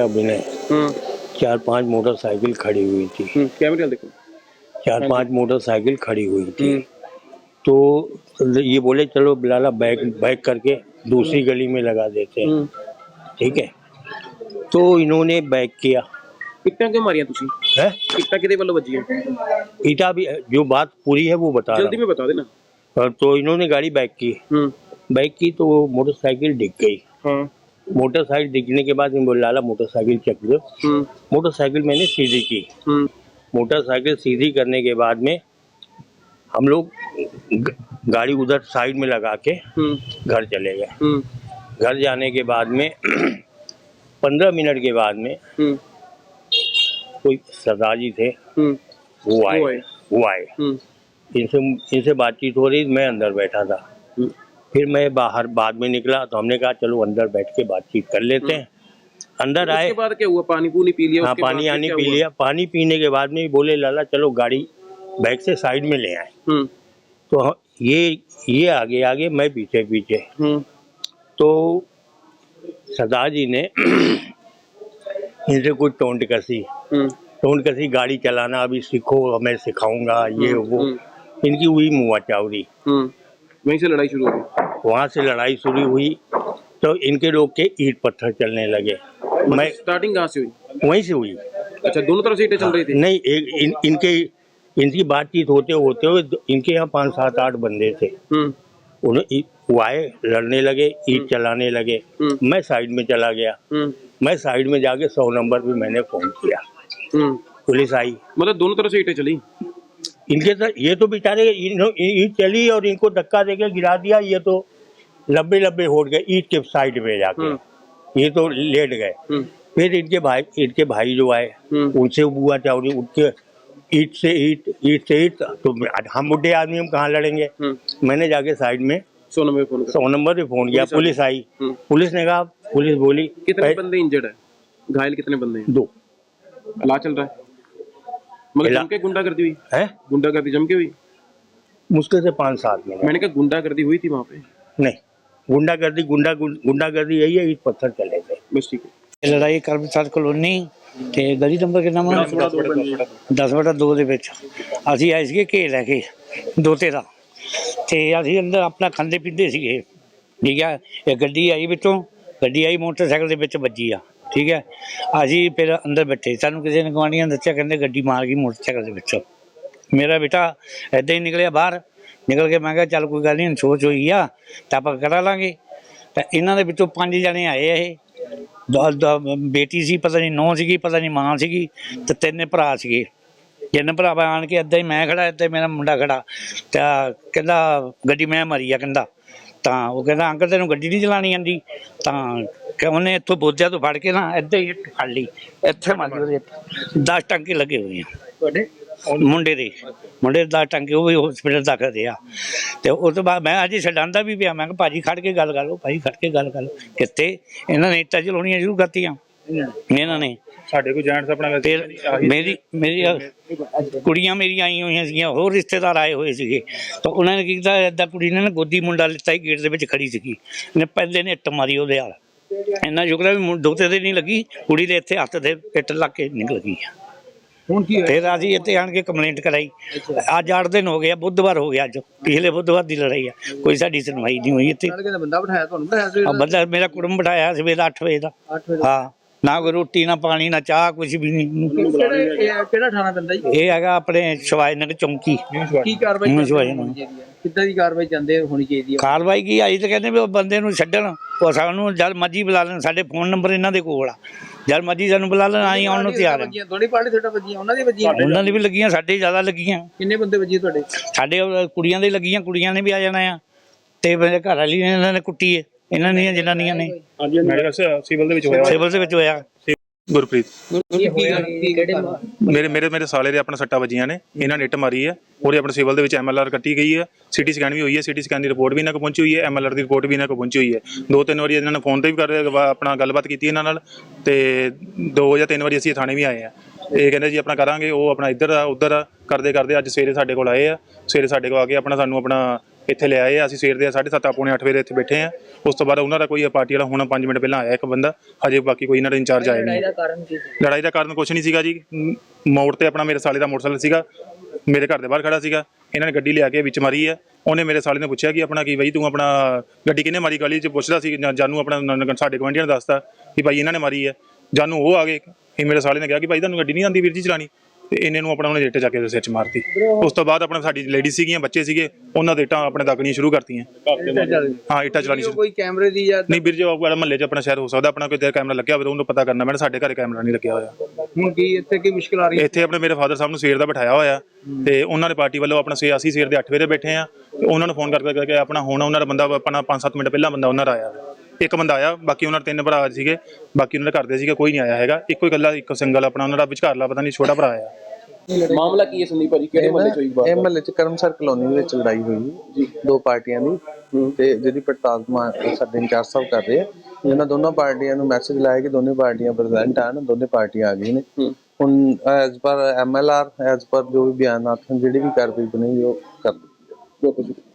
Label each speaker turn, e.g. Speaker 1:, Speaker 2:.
Speaker 1: अभिनय। 4-5 मोटरसाइकिल खड़ी हुई थी।
Speaker 2: कैमरे देखो।
Speaker 1: 4-5 मोटरसाइकिल खड़ी हुई थी। तो ये बोले चलो बिलाला बैक करके दूसरी गली में लगा देते हैं। ठीक है, तो इन्होंने बैक किया।
Speaker 2: इट्टां क्यों मारियां तुसी?
Speaker 1: है
Speaker 2: इट्टां किहदे वल्लों वज्जियां?
Speaker 1: ईटा भी जो बात पूरी है वो बता
Speaker 2: जल्दी
Speaker 1: रहा
Speaker 2: में बता देना।
Speaker 1: हूं। तो इन्होंने गाड़ी बैक की। बैक की तो वो मोटरसाइकिल डिग गई।
Speaker 2: हाँ।
Speaker 1: मोटरसाइकिल दिखने के बाद बोले लाला मोटरसाइकिल चेक दो। मोटरसाइकिल मैंने सीधी की। मोटरसाइकिल सीधी करने के बाद में हम लोग गाड़ी उधर साइड में लगा के घर चले गए। घर जाने के बाद में 15 मिनट के बाद में कोई सरदार जी थे, वो आए। इनसे बातचीत हो रही, मैं अंदर बैठा था। फिर मैं बाहर बाद में निकला तो हमने कहा चलो अंदर बैठ के बातचीत कर लेते हैं। अंदर आए। उसके
Speaker 2: बाद क्या हुआ? पानी पूनी पी लिया?
Speaker 1: हाँ, पानी आनी पी लिया। पानी पीने के बाद में बोले लाला चलो गाड़ी बैक से साइड में ले आए। तो ये आगे मैं पीछे। तो सरदार जी ने इनसे कुछ टोंट कसी गाड़ी चलाना अभी सीखो, मैं सिखाऊंगा, ये वो। इनकी हुई मुआ चावरी।
Speaker 2: वहीं से लड़ाई शुरू हुई।
Speaker 1: वहाँ से लड़ाई शुरू हुई तो इनके लोग के ईंट पत्थर चलने लगे। मैं
Speaker 2: स्टार्टिंग कहाँ से हुई?
Speaker 1: वहीं से हुई।
Speaker 2: अच्छा, दोनों तरफ से ईंटें चल रही थी?
Speaker 1: नहीं, इनकी बातचीत होते हुए इनके यहाँ 5-7-8 बंदे थे। वो आए, लड़ने लगे, ईंट चलाने लगे। मैं साइड में चला गया। मैं साइड में जाके 100 नंबर पे मैंने फोन किया। पुलिस आई।
Speaker 2: मतलब दोनों तरफ से ईंटें चली?
Speaker 1: इनके साथ ये तो बेचारे ईंट चली और इनको धक्का देके गिरा दिया। ये तो लब्बे होट गए ईंट के साइड में जाके। ये तो लेट गए। फिर इनके भाई जो आए उनसे बुआ चावरी उठ के ईंट से ईंट। तो हम बुढ़े आदमी हम कहाँ लड़ेंगे। मैंने जाके साइड में 100 नंबर पे फोन किया। पुलिस आई। पुलिस ने कहा, पुलिस बोली
Speaker 2: कितने बंदे इंजर्ड है? घायल कितने बंदे हैं?
Speaker 1: 2।
Speaker 2: इलाज चल रहा है? मतलब जम के गुंडागर्दी हुई है? गुंडागर्दी जम के हुई?
Speaker 1: मुश्किल से 5-7 मिनट।
Speaker 2: मैंने कहा गुंडागर्दी हुई थी वहाँ पे? नहीं,
Speaker 1: गुंडागर्दी यही है, ईंट पत्थर चले थे
Speaker 2: बस। ठीक है।
Speaker 3: लड़ाई ਕਰਮਚਾਰ ਕਲੋਨੀ ਤੇ ਗਲੀ ਨੰਬਰ ਕਿੰਨਾ ਵਾ 10/2 ਦੇ ਵਿੱਚ ਅਸੀਂ ਆਏ ਸੀਗੇ ਘੇਰ ਲੈ ਕੇ 2-13 ਤੇ ਅਸੀਂ ਅੰਦਰ ਆਪਣਾ ਖਾਂਦੇ ਪੀਂਦੇ ਸੀਗੇ। ਠੀਕ ਹੈ, ਇਹ ਗੱਡੀ ਆਈ ਵਿੱਚੋਂ, ਗੱਡੀ ਆਈ ਮੋਟਰਸਾਈਕਲ ਦੇ ਵਿੱਚ ਵੱਜੀ ਆ। ਠੀਕ ਹੈ, ਅਸੀਂ ਫਿਰ ਅੰਦਰ ਬੈਠੇ, ਸਾਨੂੰ ਕਿਸੇ ਨੇ ਗੁਆਂਢੀਆਂ ਨੇ ਦੱਸਿਆ, ਕਹਿੰਦੇ ਗੱਡੀ ਮਾਰ ਗਈ ਮੋਟਰਸਾਈਕਲ ਦੇ ਵਿੱਚ। ਮੇਰਾ ਬੇਟਾ ਇੱਦਾਂ ਹੀ ਨਿਕਲਿਆ ਬਾਹਰ। ਨਿਕਲ ਕੇ ਮੈਂ ਕਿਹਾ ਚੱਲ ਕੋਈ ਗੱਲ ਨਹੀਂ, ਸੋਚ ਹੋਈ ਆ ਤਾਂ ਆਪਾਂ ਕਰਾ ਲਾਂਗੇ। ਤਾਂ ਇਹਨਾਂ ਦੇ ਵਿੱਚੋਂ 5 ਜਣੇ ਆਏ। ਇਹ ਬੇਟੀ ਸੀ, ਪਤਾ ਨਹੀਂ ਨੂੰਹ ਸੀਗੀ, ਪਤਾ ਨਹੀਂ ਮਾਂ ਸੀਗੀ, ਤੇ 3 ਭਰਾ ਸੀਗੇ। 3 ਭਰਾ ਆਣ ਕੇ ਇੱਦਾਂ ਹੀ ਮੈਂ ਖੜਾ, ਇੱਦਾਂ ਮੇਰਾ ਮੁੰਡਾ ਖੜਾ। ਤਾਂ ਕਹਿੰਦਾ ਗੱਡੀ ਮੈਂ ਮਾਰੀ ਆ। ਕਹਿੰਦਾ ਤਾਂ ਉਹ ਕਹਿੰਦਾ ਅੰਕਲ ਤੈਨੂੰ ਗੱਡੀ ਨਹੀਂ ਚਲਾਉਣੀ ਆਉਂਦੀ? ਤਾਂ ਉਹਨੇ ਇੱਥੋਂ ਬੋਝਿਆ ਤੋਂ ਫੜ ਕੇ ਨਾ ਇੱਦਾਂ ਹੀ ਫੜ ਲਈ, ਇੱਥੇ ਮਾਰੀ ਉਹਦੇ 10 ਟਾਂਕੇ ਲੱਗੇ ਹੋਏ ਆ ਤੁਹਾਡੇ ਮੁੰਡੇ ਦੇ 10 ਟਾਂਕੇ। ਉਹ ਵੀ ਹਸਪੀਟਲ ਦਾਖਲ ਰਿਹਾ। ਤੇ ਉਸ ਤੋਂ ਬਾਅਦ ਮੈਂ ਅੱਜ ਛਡਾਂਦਾ ਵੀ ਪਿਆ। ਮੈਂ ਕਿਹਾ ਭਾਜੀ ਖੜ ਕੇ ਗੱਲ ਕਰ ਲਓ, ਭਾਈ ਖੜ ਕੇ ਗੱਲ ਕਰ ਲਓ। ਕਿੱਥੇ ਇਹਨਾਂ ਨੇ ਇੱਟਾਂ ਚਲਾਉਣੀਆਂ ਸ਼ੁਰੂ ਕਰਤੀਆਂ। ਇਹਨਾਂ ਨੇ
Speaker 2: ਸਾਡੇ ਕੋਲ ਜੈਂਟਸ ਆਪਣਾ
Speaker 3: ਮੇਰੀ ਕੁੜੀਆਂ ਮੇਰੀਆਂ ਆਈਆਂ ਹੋਈਆਂ ਸੀਗੀਆਂ, ਹੋਰ ਰਿਸ਼ਤੇਦਾਰ ਆਏ ਹੋਏ ਸੀਗੇ। ਤਾਂ ਉਹਨਾਂ ਨੇ ਕੀ ਕੀਤਾ, ਏਦਾਂ ਕੁੜੀ ਨੇ ਨਾ ਗੋਦੀ ਮੁੰਡਾ ਲਿੱਤਾ ਹੀ ਗੇਟ ਦੇ ਵਿੱਚ ਖੜੀ ਸੀਗੀ। ਇਹਨੇ ਪਹਿਲੇ ਨੇ ਇੱਟ ਮਾਰੀ ਉਹਦੇ ਨਾਲ। ਇੰਨਾ ਸ਼ੁਕਰ ਵੀ ਦੋਤੇ ਦੇ ਨਹੀਂ ਲੱਗੀ, ਕੁੜੀ ਦੇ ਇੱਥੇ ਹੱਥ ਦੇ ਇੱਟ ਲੱਗ ਕੇ ਨਿਕਲ ਗਈ ਆ। ਫਿਰ ਅਸੀਂ ਇੱਥੇ ਆਣ ਕੇ ਕੰਪਲੇਂਟ ਕਰਾਈ। ਅੱਜ 8 ਦਿਨ ਹੋ ਗਏ, ਬੁੱਧਵਾਰ ਹੋ ਗਿਆ। ਅੱਜ ਪਿਛਲੇ ਬੁੱਧਵਾਰ ਦੀ ਲੜਾਈ ਆ, ਕੋਈ ਸਾਡੀ ਸੁਣਵਾਈ ਨਹੀਂ ਹੋਈ ਇੱਥੇ। ਬੰਦਾ ਮੇਰਾ ਕੁੜਮ ਬਿਠਾਇਆ ਸਵੇਰ 8 ਵਜੇ ਦਾ। ਹਾਂ, ਨਾ ਕੋਈ ਰੋਟੀ ਨਾ ਪਾਣੀ ਨਾ ਚਾਹ, ਕੁਛ ਵੀ ਨਹੀਂ।
Speaker 4: ਕਿਹੜਾ ਥਾਣਾ ਪੈਂਦਾ ਜੀ?
Speaker 3: ਇਹ ਹੈਗਾ ਆਪਣੇ ਸ਼ਿਵਾਜ ਨਗਰ ਚੌਂਕੀ।
Speaker 4: ਕੀ ਕਾਰਵਾਈ ਕਿੱਦਾਂ ਦੀ ਕਾਰਵਾਈ ਚਾਹੁੰਦੇ ਹੋਣੀ ਚਾਹੀਦੀ ਹੈ?
Speaker 3: ਕਾਰਵਾਈ ਕੀ ਆਈ ਤਾਂ ਕਹਿੰਦੇ ਵੀ ਉਹ ਬੰਦੇ ਨੂੰ ਛੱਡਣ, ਉਹ ਸਾਨੂੰ ਜਦ ਮਰਜ਼ੀ ਬੁਲਾ ਲੈਣ। ਸਾਡੇ ਫੋਨ ਨੰਬਰ ਇਹਨਾਂ ਦੇ ਕੋਲ ਆ, ਜਦ ਮਰਜ਼ੀ ਸਾਨੂੰ ਬੁਲਾ ਲੈਣ, ਆਈ ਆਉਣ ਨੂੰ ਤਿਆਰ ਆ।
Speaker 4: ਤੁਹਾਡੀ ਪਾਰਟੀ ਤੁਹਾਡਾ ਵੱਜੀਆਂ, ਉਹਨਾਂ ਦੀ ਵੱਜੀਆਂ?
Speaker 3: ਉਹਨਾਂ ਦੀ ਵੀ ਲੱਗੀਆਂ, ਸਾਡੇ ਜ਼ਿਆਦਾ ਲੱਗੀਆਂ।
Speaker 4: ਕਿੰਨੇ ਬੰਦੇ ਵੱਜੇ ਤੁਹਾਡੇ?
Speaker 3: ਸਾਡੇ ਕੁੜੀਆਂ ਦੇ ਲੱਗੀਆਂ, ਕੁੜੀਆਂ ਨੇ ਵੀ ਆ ਜਾਣਾ ਆ। ਤੇ ਮੇਰੇ ਘਰ ਵਾਲੀ ਨੇ ਇਹਨਾਂ ਨੇ ਕੁੱਟੀ ਹੈ, ਇਹਨਾਂ ਦੀਆਂ ਜਨਾਨੀਆਂ ਨੇ।
Speaker 2: ਸਿਵਲ
Speaker 3: ਦੇ ਵਿੱਚ ਹੋਇਆ।
Speaker 5: ਗੁਰਪ੍ਰੀਤ ਮੇਰੇ ਸਾਲੇ ਦੇ ਆਪਣਾ ਸੱਟਾਂ ਵੱਜੀਆਂ ਨੇ, ਇਹਨਾਂ ਨੇ ਇੱਟ ਮਾਰੀ ਹੈ। ਉਹਦੇ ਆਪਣੇ ਸਿਵਲ ਦੇ ਵਿੱਚ MLR ਕੱਟੀ ਗਈ ਹੈ, CT ਸਕੈਨ ਵੀ ਹੋਈ ਹੈ, CT ਸਕੈਨ ਦੀ ਰਿਪੋਰਟ ਵੀ ਇਹਨਾਂ ਕੋਲ ਪਹੁੰਚੀ ਹੋਈ ਹੈ, MLR ਦੀ ਰਿਪੋਰਟ ਵੀ ਇਹਨਾਂ ਕੋਲ ਪਹੁੰਚੀ ਹੋਈ ਹੈ। 2-3 ਵਾਰੀ ਇਹਨਾਂ ਨੇ ਫੋਨ ਤੇ ਵੀ ਆਪਣਾ ਗੱਲਬਾਤ ਕੀਤੀ ਇਹਨਾਂ ਨਾਲ, ਤੇ 2 ਜਾਂ 3 ਵਾਰੀ ਅਸੀਂ ਥਾਣੇ ਵੀ ਆਏ ਆ। ਇਹ ਕਹਿੰਦੇ ਜੀ ਆਪਣਾ ਕਰਾਂਗੇ, ਉਹ ਆਪਣਾ ਇੱਧਰ ਆ ਉੱਧਰ ਆ ਕਰਦੇ ਅੱਜ ਸਵੇਰੇ ਸਾਡੇ ਕੋਲ ਆਏ ਆ। ਸਵੇਰੇ ਸਾਡੇ ਕੋਲ ਆ ਕੇ ਸਾਨੂੰ ਆਪਣਾ ਇੱਥੇ ਲੈ ਆਏ ਆ। ਅਸੀਂ ਸਵੇਰ ਦੇ 7:30 ਪੌਣੇ 8 ਵਜੇ ਇੱਥੇ ਬੈਠੇ ਆ। ਉਸ ਤੋਂ ਬਾਅਦ ਉਹਨਾਂ ਦਾ ਕੋਈ ਪਾਰਟੀ ਵਾਲਾ ਹੁਣ 5 ਮਿੰਟ ਪਹਿਲਾਂ ਆਇਆ ਇੱਕ ਬੰਦਾ, ਹਜੇ ਬਾਕੀ ਕੋਈ ਇਹਨਾਂ ਦਾ ਇੰਚਾਰਜ ਆਇਆ ਨਹੀਂ। ਲੜਾਈ ਦਾ ਕਾਰਨ ਕੁਛ ਨਹੀਂ ਸੀਗਾ ਜੀ, ਮੋੜ ਤੇ ਆਪਣਾ ਮੇਰੇ ਸਾਲੇ ਦਾ ਮੋਟਰਸਾਈਕਲ ਸੀਗਾ, ਮੇਰੇ ਘਰ ਦੇ ਬਾਹਰ ਖੜਾ ਸੀਗਾ, ਇਹਨਾਂ ਨੇ ਗੱਡੀ ਲਿਆ ਕੇ ਵਿੱਚ ਮਾਰੀ ਹੈ। ਉਹਨੇ ਮੇਰੇ ਸਾਲੇ ਨੇ ਪੁੱਛਿਆ ਕਿ ਆਪਣਾ ਕੀ ਬਈ ਤੂੰ ਆਪਣਾ ਗੱਡੀ ਕਿਹਨੇ ਮਾਰੀ, ਗਲੀ 'ਚ ਪੁੱਛਦਾ ਸੀ ਜਾਨੂੰ, ਆਪਣਾ ਸਾਡੇ ਗੁਆਂਢੀਆਂ ਨੇ ਦੱਸਤਾ ਕਿ ਭਾਈ ਇਹਨਾਂ ਨੇ ਮਾਰੀ ਹੈ। ਜਾਨੂੰ ਉਹ ਆ ਗਏ, ਇਹ ਮੇਰੇ ਸਾਲੇ ਨੇ ਕਿਹਾ ਕਿ ਭਾਈ ਤੁਹਾਨੂੰ ਗੱਡੀ ਨਹੀਂ ਆਉਂਦੀ ਵੀਰ ਜੀ ਚਲਾਣੀ, ਤੇ ਇਹਨੇ ਨੂੰ ਆਪਣਾ ਉਹਨੇ ਇੱਟ ਚੱਕ ਕੇ ਸਿਰ 'ਚ ਮਾਰਤੀ। ਉਸ ਤੋਂ ਬਾਅਦ ਆਪਣਾ ਸਾਡੀ ਲੇਡੀਜ਼ ਸੀਗੀਆਂ, ਬੱਚੇ ਸੀਗੇ, ਉਹਨਾਂ ਦੇ ਇੱਟਾਂ ਆਪਣੇ ਦਾਗਣੀਆਂ ਸ਼ੁਰੂ ਕਰਤੀਆਂ। ਹਾਂ ਇੱਟਾਂ ਚਲਾਣੀ ਸ਼ੁਰੂ।
Speaker 4: ਕੋਈ ਕੈਮਰੇ ਦੀ ਜਾਂ
Speaker 5: ਨਹੀਂ ਵੀਰ ਜੀ, ਮਹੱਲੇ 'ਚ ਆਪਣਾ ਸ਼ਾਇਦ ਹੋ ਸਕਦਾ ਆਪਣਾ ਕੋਈ ਕੈਮਰਾ ਲੱਗਿਆ ਹੋਵੇ, ਉਹਨੂੰ ਪਤਾ ਕਰਨਾ। ਮੈਂ ਸਾਡੇ ਘਰੇ ਕੈਮਰਾ ਨਹੀਂ ਲੱਗਿਆ ਹੋਇਆ।
Speaker 4: ਹੁਣ ਕੀ ਇੱਥੇ ਕੀ ਮੁਸ਼ਕਲ ਆ ਰਹੀ ਹੈ?
Speaker 5: ਇੱਥੇ ਆਪਣੇ ਮੇਰੇ ਫਾਦਰ ਸਾਹਿਬ ਨੂੰ ਸਵੇਰ ਦਾ ਬਿਠਾਇਆ ਹੋਇਆ, ਤੇ ਉਹਨਾਂ ਦੇ ਪਾਰਟੀ ਵੱਲੋਂ ਆਪਣਾ ਅਸੀਂ ਸਵੇਰ ਦੇ 8 ਵਜੇ ਬੈਠੇ ਆ, ਤੇ ਉਹਨਾਂ ਨੂੰ ਫੋਨ ਕਰਕੇ ਆਪਣਾ ਹੁਣ ਉਹਨਾਂ ਦਾ ਬੰਦਾ ਆਪਣਾ 5-7 ਮਿੰਟ ਪਹਿਲਾਂ ਬੰਦਾ ਉਹਨਾਂ ਦਾ ਆਇਆ, ਇੱਕ ਬੰਦਾ ਆਇਆ, ਬਾਕੀ ਉਹਨਾਂ ਦੇ 3 ਭਰਾ ਸੀਗੇ, ਬਾਕੀ ਉਹਨਾਂ ਦੇ ਘਰ ਦੇ ਸੀਗੇ, ਕੋਈ ਨਹੀਂ ਆਇਆ ਹੈਗਾ। ਇੱਕੋ ਹੀ ਇਕੱਲਾ ਇੱਕ ਸਿੰਗਲ ਆਪਣਾ ਉਹਨਾਂ ਦਾ ਵਿਚਕਾਰਲਾ ਪਤਾ ਨਹੀਂ ਛੋਟਾ ਭਰਾ ਆਇਆ।
Speaker 2: ਮਾਮਲਾ ਕੀ ਹੈ ਸੰਦੀਪ ਭਾਜੀ, ਕਿਹੜੇ ਮਹੱਲੇ ਚ ਹੋਈ ਬਾਤ?
Speaker 6: ਇਹ ਮਹੱਲੇ ਚ ਕਰਮਸਰ ਕਲੋਨੀ ਦੇ ਵਿੱਚ ਲੜਾਈ ਹੋਈ ਜੀ, ਦੋ ਪਾਰਟੀਆਂ ਦੀ, ਤੇ ਜਿਹਦੀ ਪੜਤਾਲ ਸਾਡੇ ਇੰਚਾਰਜ ਸਾਹਿਬ ਕਰ ਰਹੇ ਆ। ਇਹਨਾਂ ਦੋਨਾਂ ਪਾਰਟੀਆਂ ਨੂੰ ਮੈਸੇਜ ਲਾਇਆ ਕਿ ਦੋਨੇ ਪਾਰਟੀਆਂ ਪ੍ਰੈਜ਼ੈਂਟ ਹਨ, ਦੋਨੇ ਪਾਰਟੀਆਂ ਆ ਗਈਆਂ ਨੇ। ਹੁਣ as per MLR, as per ਜੋ ਵੀ ਬਿਆਨਾਤ, ਜਿਹੜੀ ਵੀ ਕਾਰਵਾਈ ਬਣੀ ਉਹ ਕਰ ਦਿੱਤੀ ਜਾਵੇ।